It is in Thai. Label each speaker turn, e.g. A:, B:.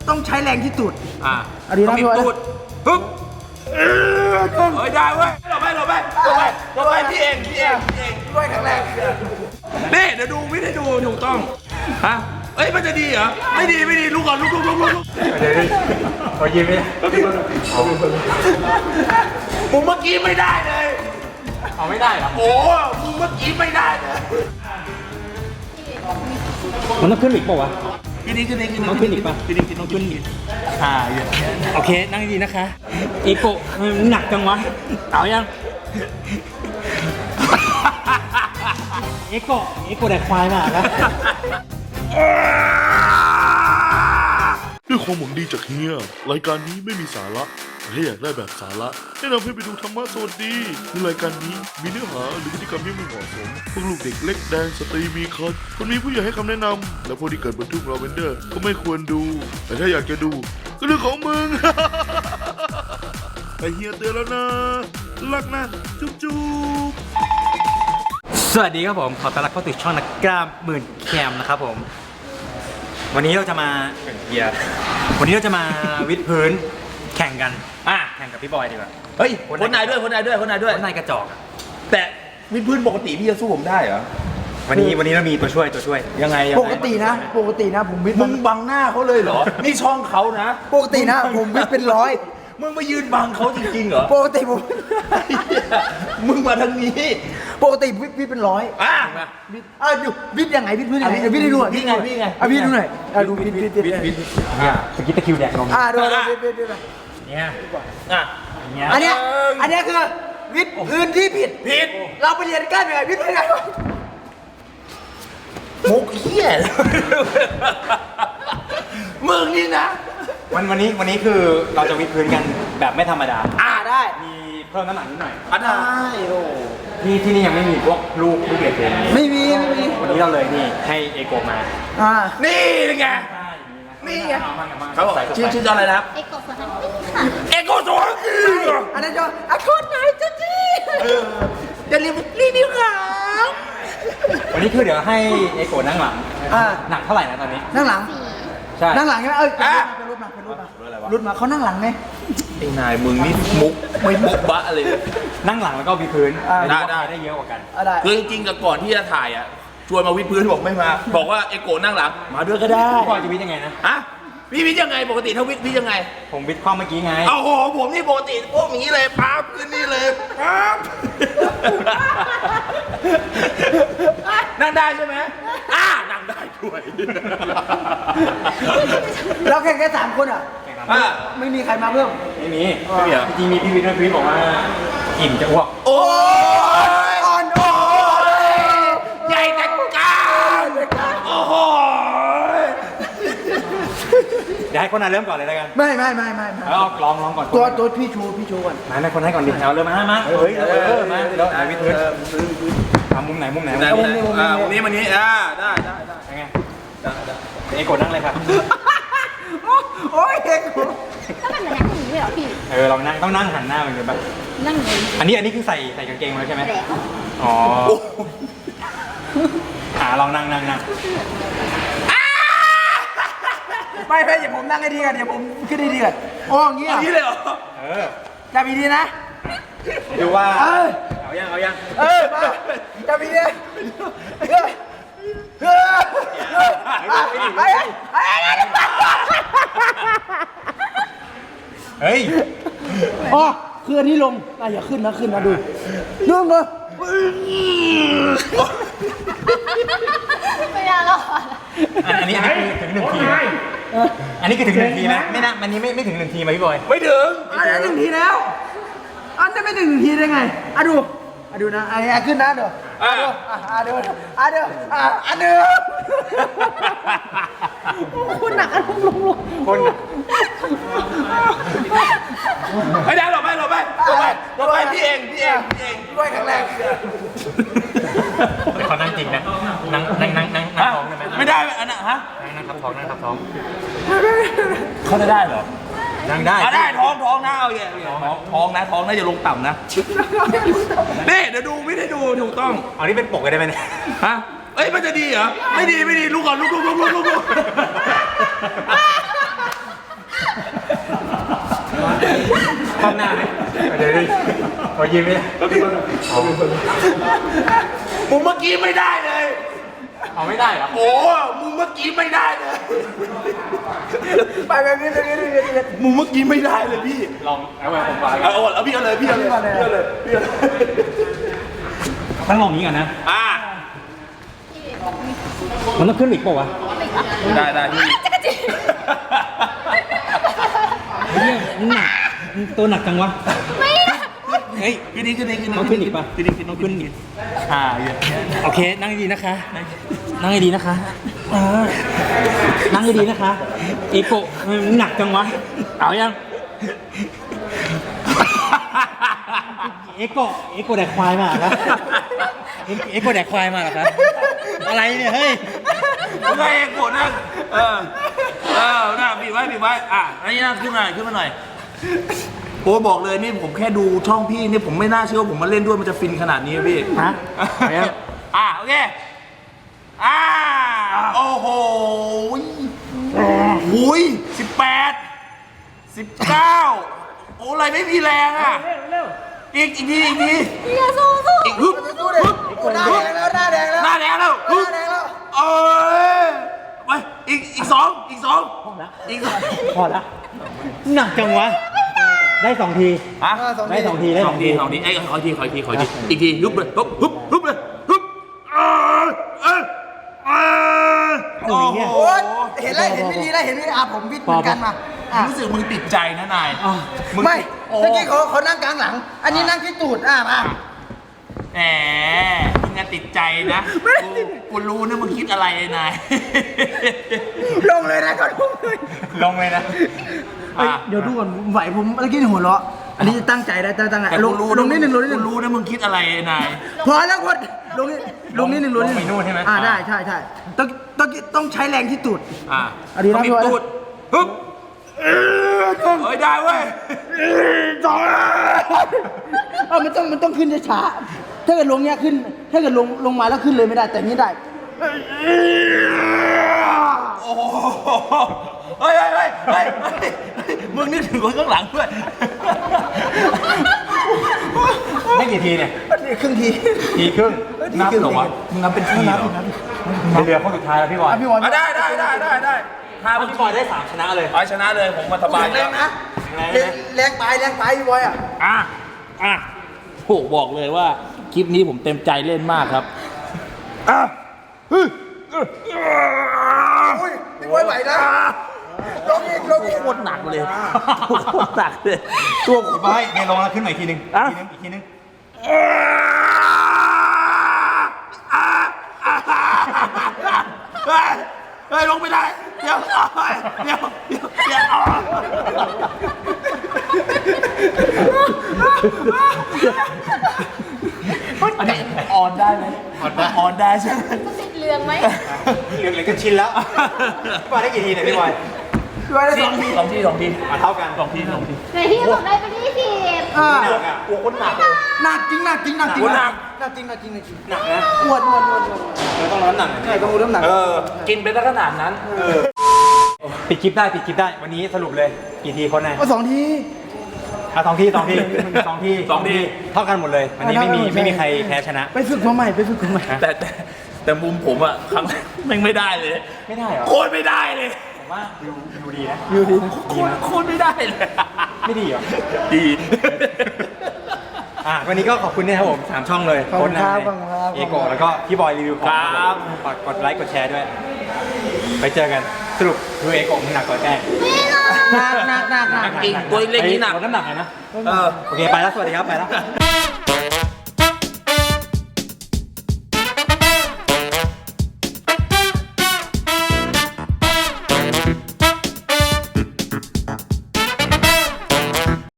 A: ต้องใช้แรงที่สุด
B: ดีนะพี่ตูดปึ๊บเฮ้ยได้เว้ยหลบไปพี่เอง
A: ด้วยแข็งแรง
B: นี่เดี๋ยวดูวิธีดูถูกต้องฮะเอ้ยมันจะดีเหรอไม่ดีลุกก่อนลุก
C: ขอยิ้มไหม
B: มึงเมื่อกี้ไม่ได้เลย
C: เอาไม่ได้เหรอ
B: โอ้มึงเมื่อกี้ไม่ได้เลย
C: มันต้องขึ้นอีกป่าวะ
B: ขึ้น
C: ต้องขึ้นอีกป่ะ
B: ขึ้นอีก
C: โอเคนั่งดีนะคะเอโกะมันหนักจังวะเอายังเอโกะแดกควายมากนะ
D: ด้วยความหวังดีจากเฮียรายการนี้ไม่มีสาระถ้าอยากได้แบบสาระแนะนำให้ไปดูธรรมะสวัสดีในรายการนี้มีเนื้อหาหรือพฤติกรรมที่ไม่เหมาะสมพวกลูกเด็กเล็กแดงสตรีมีคันคนมีผู้ใหญ่ให้คำแนะนำและพวกที่เกิดบนทุ่งลาเวนเดอร์ก็ไม่ควรดูแต่ถ้าอยากจะดูก็เรื่องของมึง แต่เฮียเตือนแล้วนะรักนะจุ๊บ
C: สวัสดีครับผมขอต้อนรับเข้าสู่ช่องนักกล้ามหมื่นแคมนะครับผมวันนี้เราจะมาวิดพื้นแข่งกันแข่งกับพี่บอยดีกว่า
B: เฮ้ยคนนายด้วยคนนาย
C: กระจอก
B: แต่วิดพื้นปกติพี่จะสู้ผมได้เหรอ
C: วันนี้เรามีตัวช่วย
B: ยังไง
A: ปกตินะผมวิทย์
B: มึงบังหน้าเขาเลยเหรอนี่ช่องเขานะ
A: ปกตินะผมวิทย์เป็นร้อย
B: มึงมายืนบังเขาจริงๆเหรอ
A: ปกติผม
B: มึงมาทางนี้
A: ปกติวิทย์เป็นร้อยดูวิทย์ยังไงวิทย์พื้นยังไงวิทย์ให้ดูหน่อย
B: พี่ไง
A: วิทย์ดูหน่อยดูวิทย์
C: สกิตตะคิวแดกนม
A: ดูวิทย์
C: เนี่ย
A: อันนี้คือวิทย์พื้นที่ผิดเราไปเรียนกันยังไงวิทย์ยังไง
B: มุกเหี้ยมึงนี่นะ
C: วันนี้คือเราจะวิดพื้นกันแบบไม่ธรรมดา
A: ได้
C: มีเพิ่มน้ำหนักนิดหน่อย
B: ได้โอ้
C: ที่นี่ยังไม่มีพวกลูกเด็กเลย
A: ไม่มี
C: วันนี้เราเลยนี่ให้เอโกมา
B: นี่ไงเขาบอกชื่ออะไรนะครับ
E: เอโกะสวัสดีค่ะ
B: เอโกะสวัสดี
A: อันนั้นจะคนไหนจะจี้จะรีวิวครับ
C: วันนี้คือเดี๋ยวให้เอโกนั่งหลังหนักเท่าไหร่นะตอนนี้
A: นั่งหลัง
C: ใช่
A: นั่งหลังใช่ไหมรุดมาเขานั่งหลังไง
B: ไอ้นายมึงนี่มุกไม่มุกบะเลย
C: นั่งหลังแล้วก็วิดพื้นได้เยอะกว่ากัน
B: คือจริงๆกับก่อนที่จะถ่ายอ่ะชวนมาวิดพื้นบอกไม่มาบอกว่าเอโกนั่งหลังมาด้วยก็ได้
C: พ่อจะวิดยังไงนะ
B: พี่วิดยังไงปกติถ้าวิดยังไง
C: ผมวิดความเมื่อกี้ไง
B: โอ้โหผมนี่ปกติพวกนี้เลยปั๊บขึ้นนี่เลยปั๊บนั่งได้ใช่ไหมนั่งได้ด้วย
A: เราแข่งแค่3 คนไม่มีใครมาเพิ่ม
C: ไม่มีจริงมีพี่วิทย์ด้วยพี่บอกว่าอิ่มจะอ้วก
B: โอ้ยใหญ่แต่กล้ามโอ้โห
C: เดี๋ยวให้คนนั้นเริ่มก่อนเลยแล้วกัน
A: ไม่
C: ลองก่อน
A: ตัวพี่ชูก่อน
C: ไม่คนให้ก่อนดิเอาเริ่มมาเฮ้ยมาเดี๋ยววิทย์พื้นมุมไหนมุมนี้
B: ได้
C: ยังไงเอกดนั่งเลยครับ
A: โอ้ยเอก
E: ถ้ามันนั่งอย่างนี้เหรอพี่
C: เรานั่งต้องนั่งหันหน้าเหมือนกันป่ะ
E: นั่งอย่างนี้
C: อันนี้คือใส่กางเกงมาใช่ไหมอ๋อลองนั่ง
A: ไม่อย่าผมนั่งให้ดีกันเดี๋ยวผมขึ้นให้ดีกันอย่างนี้
B: เลยเหรอ
A: จับดีนะ
C: ดูว่าเอายัง
A: มาจับดี
C: เฮ้ย
A: คืออันนี้ลงอย่าขึ้นนะดูดึงเลย
E: ไม่ได้หรอก
C: อันนี้ถึง1 ทีอันนี้คือถึง1 ทีไหมไม่นะมันนี้ไม่ถึง1 ทีไหมพี่บอย
B: ไม่ถึง
A: 1 ทีแล้วอันจะไม่ถึง1 ทีได้ไงดูนะขึ้นนะเดี๋ยวเดี๋ยวคุณหนักลง
C: คน
B: ไม่ได้หรอกไปพี่เอง
A: ด้วยแข็งแรง
C: เขานั่งจริงนะนั่งท้องได้ไหม
B: ไม่ได้อันน่ะ
C: นั่งทับท้อง
B: เขาจะได้เหรอ
C: นั่งได้
B: ได้ท้องนะเอาท้องนะอย่าลงต่ำนะนี่เดี๋ยวดูวิธีดูถูกต้อง
C: นี่เป็นปกได้ไหมเนี่ย
B: เอ้ยมันจะดีเหรอไม่ดีลุกก่อนลุก
C: ข้างหน้าไหมเดี๋ยวขอยิ้มไหม
B: มึงเมื่อกี้ไม่ได้เลย
C: เอาไม่ได้เหรอ
B: โอ้มึงเมื่อกี้ไม่ได้เลย
A: ไปแบบนี้
B: มึงเมื่อกี้ไม่ได้เลยพี่
C: ลองเอาไว้ผมวาง
B: เอาพี่เอาเลยพี่เอาเลยพี่เอาเลยพี่เอาเลย
C: ต้องลองนี้ก่อนนะ
B: อ่า
C: มันต้องขึ้นอีกเปล่าวะ
B: ได้พี่
E: จักรจี
C: เฮ้ยหนักตัวหนักจังวะ
E: ไม่นะ
C: เฮ้ย
B: ขึ้นนี่
C: ต้องขึ้นอีกปะ
B: ขึ้นอีกต้องขึ้นอีกอย่าง
C: โอเค นั่งดีๆนะคะ นั่งดีๆนะคะนั่งดีๆนะคะ เอโกะมันหนักจังวะ เอายัง เอโกะแดกควายมาเหรอครับเอโกะแดกควายมาเหรอครับอะไรเนี่ย เฮ้ย
B: มึงไงเองโกรธนั่งน่าบีบไว้อ่ะอันนี้นั่งขึ้นมาหน่อยโอ้บอกเลยนี่ผมแค่ดูช่องพี่นี่ผมไม่น่าเชื่อว่าผมมาเล่นด้วยมันจะฟินขนาดนี้พี่
C: ฮะ
B: โอเคโอ้โหหุย18 19โอ้อะไรไม่มีแรงอ่ะอีกที
E: อย่าสู้สู้
B: อีกฮึบ
A: ดูดิหน้าแดงแล้วหน้าแดงแล้ว
B: หน้าแดงแล้ว
A: หน้าแดงแล้ว
B: เอ้ยไปอีกสองอีกสอง
C: พอละหนักจังวะ ได้2 ที
B: ฮะ
C: ได้2 ทีได้
B: สอง
C: 2
B: ที
C: ที
B: ขออีกทีอีกทีฮึบเลยฮึบเลยฮึบโอ้โห
A: โอ๊ยเห็นแล้วเห็นไม่ดีแล้วเห็นไม่ดีผมวิทย์เหมือนกันมา
B: รู้สึกมึงติดใจนะนาย
A: ไม่
B: โอ้
A: เมื่อกี้เขานั่งกลางหลัง อันนี้นั่งที่ตูดมา
B: แหมมึงอะติดใจนะกูรู้นะมึงคิดอะไรนาย
A: ลงเลยนะก่อนลงเลย
C: ลงเลยนะ
A: เดี๋ยวดูก่อนไหวผมเมื่อกี้หัวเราะอันนี้ตั้งใจได้ตั้งใจ
B: แต่
A: ล
B: กู
A: ง
B: รู้
A: ลงนิดหนึ่งลงนิดห
B: กู
A: นึ่ง
B: รู้นะมึงคิดอะไรนาย
A: พอแล้วคนลงนิดหนึ่งลงนิดหนึ่ง
C: ลงไปนู่นใช่ไหม
A: ได้ใช่ต้องใช้แรงที่ตูด อันนี้นะ
B: ต้องมี
A: พี่บอย
B: ตูดฮึบเฮ้ยได้เว้ย
A: มันต้องขึ้นช้าๆถ้าเกิดลงเนี้ยขึ้น ถ้าเกิดลงมาแล้วขึ้นเลยไม่ได้แต่นี้ได้
B: โอ้โหเฮ้ยมึงนึกถึงคนข้างหลังด้วย
C: ได้กี่ทีเนี่ย
A: ครึ่งที
C: ทีครึ่ง
B: นับเหรอวะมึงนับเป็นทีเหรอ
C: เหลือคนสุดท้ายแล้วพี่บอย
A: พี่บอล
B: ได้ถ้า
C: พี่บอยได้3ชนะเลย
B: เอาชนะเลยผมมาสบาย
A: แรงนะแรงไปพี่บอยอ่ะ
B: โหบอกเลยว่าคลิปนี้ผมเต็มใจเล่นมากครับ
A: พี่บอยไหวนะลงอีก
B: โคตรหนักเลยโคตรหนักเลยตัวผม
C: พี่บอยเดี๋ยวลงแล้วขึ้นใหม่อีกทีนึงอีกทีนึง
B: เฮ้ยลงไม่ได้เดี๋ยวอันนี้ออนได้ไหมออนได้ใช่ไหม
E: ติดเรืองไหม
C: เหลือก็ชินแล้วพี่บอยได้กี่ทีเนี่ยพี่บอย
A: พี่บอยได้2 ที
B: สองที
C: เท่ากัน
B: สองที
E: ในที่บอกได้ไป20
C: หนักอ่ะ
B: กลัวคนหนักเลย
A: หนักจริงหนัก
C: หนักนะ
A: อ้วน
C: เราต้องลดน้ำหนักหน่อย
A: ใช่ต้องรู้น้ำหนัก
B: กินไปซะขนาดนั้น
C: ปิดคลิปได้วันนี้สรุปเลยกี่ทีคนไหน
A: ก็2 ที
C: 2 ทีเท่ากันหมดเลยวันนี้ไม่มีใครแพ้ชนะ
A: ไปฝึกมาใหม่
B: แต่มุมผมอะครั้งแรกแม่งไม่ได้เลย
C: ไม่ได้เหรอ
B: โคตรไม่ได้เลย
C: ผมว่าดูดีนะ
B: โคตรไม่ได้เลย
C: ไม่ดีเหรอ
B: ดี
C: วันนี้ก็ขอบคุณนะครับผม3 ช่องเลย
A: ขอบคุณครับ
C: โนายเอโกะแล้วก็พี่บอยรีวิวของฝากกดไลค์กดแชร์ด้วย ไปเจอกันสรุปดูเอโกะมึงหนักกว่าแก
A: หนัก
B: จริงตัวเล็กนี่หนัก
C: ลดน้ำหนักหน่อยนะ
B: เออ
C: โอเคไปแล้วสวัสดีครับไปแล้ว